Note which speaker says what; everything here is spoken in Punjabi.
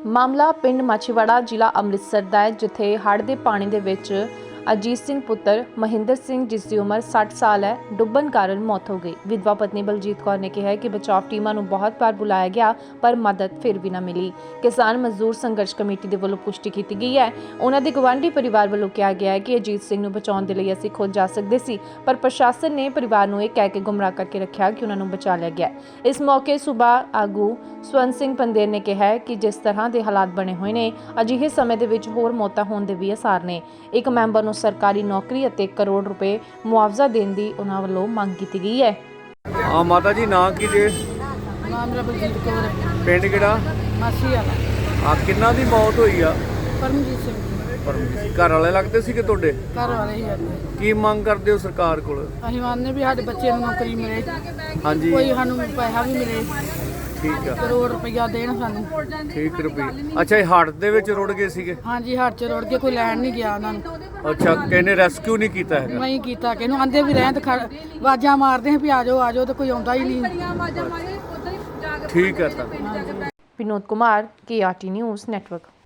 Speaker 1: ਮਾਮਲਾ ਪਿੰਡ ਮਾਛੀਵਾੜਾ ਜ਼ਿਲ੍ਹਾ ਅੰਮ੍ਰਿਤਸਰ ਦਾ ਹੈ, ਜਿੱਥੇ ਹੜ੍ਹ ਦੇ ਪਾਣੀ ਦੇ ਵਿੱਚ ਅਜੀਤ ਸਿੰਘ ਪੁੱਤਰ ਮਹਿੰਦਰ ਸਿੰਘ, ਜਿਸ ਦੀ ਉਮਰ 60 ਸਾਲ ਹੈ, ਡੁੱਬਣ ਕਾਰਨ ਮੌਤ ਹੋ ਗਈ। ਵਿਧਵਾ ਪਤਨੀ ਬਲਜੀਤ ਕੌਰ ਨੇ ਕਿਹਾ ਕਿ ਬਚਾਅ ਟੀਮਾਂ ਨੂੰ ਬਹੁਤ ਵਾਰ ਬੁਲਾਇਆ ਗਿਆ, ਪਰ ਮਦਦ ਫਿਰ ਵੀ ਨਾ ਮਿਲੀ। ਕਿਸਾਨ ਮਜ਼ਦੂਰ ਸੰਘਰਸ਼ ਕਮੇਟੀ ਦੇ ਵੱਲੋਂ ਪੁਸ਼ਟੀ ਕੀਤੀ ਗਈ ਹੈ। ਉਹਨਾਂ ਦੇ ਗਵਾਂਢੀ ਪਰਿਵਾਰ ਵੱਲੋਂ ਕਿਹਾ ਗਿਆ ਹੈ ਕਿ ਅਜੀਤ ਸਿੰਘ ਨੂੰ ਬਚਾਉਣ ਦੇ ਲਈ ਅਸੀਂ ਖੁਦ ਜਾ ਸਕਦੇ ਸੀ, ਪਰ ਪ੍ਰਸ਼ਾਸਨ ਨੇ ਪਰਿਵਾਰ ਨੂੰ ਇਹ ਕਹਿ ਕੇ ਗੁੰਮਰਾਹ ਕਰਕੇ ਰੱਖਿਆ ਕਿ ਉਹਨਾਂ ਨੂੰ ਬਚਾ ਲਿਆ ਗਿਆ। ਇਸ ਮੌਕੇ ਸੂਬਾ ਆਗੂ ਸਵਰਨ ਸਿੰਘ ਪੰਦੇਰ ਨੇ ਕਿਹਾ ਕਿ ਜਿਸ ਤਰ੍ਹਾਂ ਦੇ ਹਾਲਾਤ ਬਣੇ ਹੋਏ ਨੇ, ਅਜਿਹੇ ਸਮੇਂ ਦੇ ਵਿੱਚ ਹੋਰ ਮੌਤਾਂ ਹੋਣ ਦੇ ਵੀ ਆਸਾਰ ਨੇ। ਇੱਕ ਮੈਂਬਰ ਨੂੰ ਸਰਕਾਰੀ ਨੌਕਰੀ ਅਤੇ 1 ਕਰੋੜ ਰੁਪਏ ਮੁਆਵਜ਼ਾ ਦੇਣ ਦੀ ਉਹਨਾਂ ਵੱਲੋਂ ਮੰਗ ਕੀਤੀ ਗਈ ਹੈ।
Speaker 2: ਮਾਤਾ ਜੀ ਨਾਂ ਕੀ ਜੇ?
Speaker 3: ਨਾਮ ਮੇਰਾ ਬਲਜੀਤ ਕੌਰ ਹੈ।
Speaker 2: ਪਿੰਡ ਕਿਹੜਾ?
Speaker 3: ਮਾਛੀਵਾੜਾ।
Speaker 2: ਕਿੰਨਾ ਦੀ ਮੌਤ ਹੋਈ ਆ?
Speaker 3: ਪਰਮਜੀਤ ਸਿੰਘ।
Speaker 2: ਪਰਮਜੀਤ ਘਰ ਵਾਲੇ ਲੱਗਦੇ ਸੀਗੇ ਤੁਹਾਡੇ?
Speaker 3: ਘਰ ਵਾਲੇ ਹੀ ਜਾਂਦੇ।
Speaker 2: ਕੀ ਮੰਗ ਕਰਦੇ ਹੋ ਸਰਕਾਰ ਕੋਲ?
Speaker 3: ਅਸੀਂ ਮੰਨਦੇ ਵੀ ਸਾਡੇ ਬੱਚੇ ਨੂੰ ਨੌਕਰੀ ਮਿਲੇ,
Speaker 2: ਹਾਂਜੀ
Speaker 3: ਕੋਈ ਸਾਨੂੰ ਪੈਸਾ ਵੀ ਮਿਲੇ,
Speaker 2: ਠੀਕ ਆ,
Speaker 3: ਕਰੋੜ ਰੁਪਈਆ ਦੇਣ ਸਾਨੂੰ।
Speaker 2: ਠੀਕ ਰੁਪਏ। ਅੱਛਾ, ਇਹ ਹੜ੍ਹ ਦੇ ਵਿੱਚ ਰੁੜ ਗਏ ਸੀਗੇ?
Speaker 3: ਹਾਂਜੀ, ਹੱਥ 'ਚ ਰੋੜ ਕੇ ਕੋਈ ਲੈਣ ਨਹੀਂ ਗਿਆ ਉਹਨਾਂ ਨੂੰ।
Speaker 2: ਅੱਛਾ, ਕਹਿੰਦੇ ਰੈਸਕਿਊ ਨਹੀਂ ਕੀਤਾ ਹੈਗਾ?
Speaker 3: ਨਹੀਂ ਕੀਤਾ, ਕਿਹਨੂੰ ਆਂਦੇ ਵੀ ਰਹਿਣ ਤੇ ਆਵਾਜ਼ਾਂ ਮਾਰਦੇ ਆ ਵੀ ਆ ਜਾਓ ਤੇ ਕੋਈ ਆਉਂਦਾ ਹੀ ਨਹੀਂ।
Speaker 2: ਠੀਕ ਹੈ ਤਾਂ
Speaker 1: Vinod Kumar, KRT news network.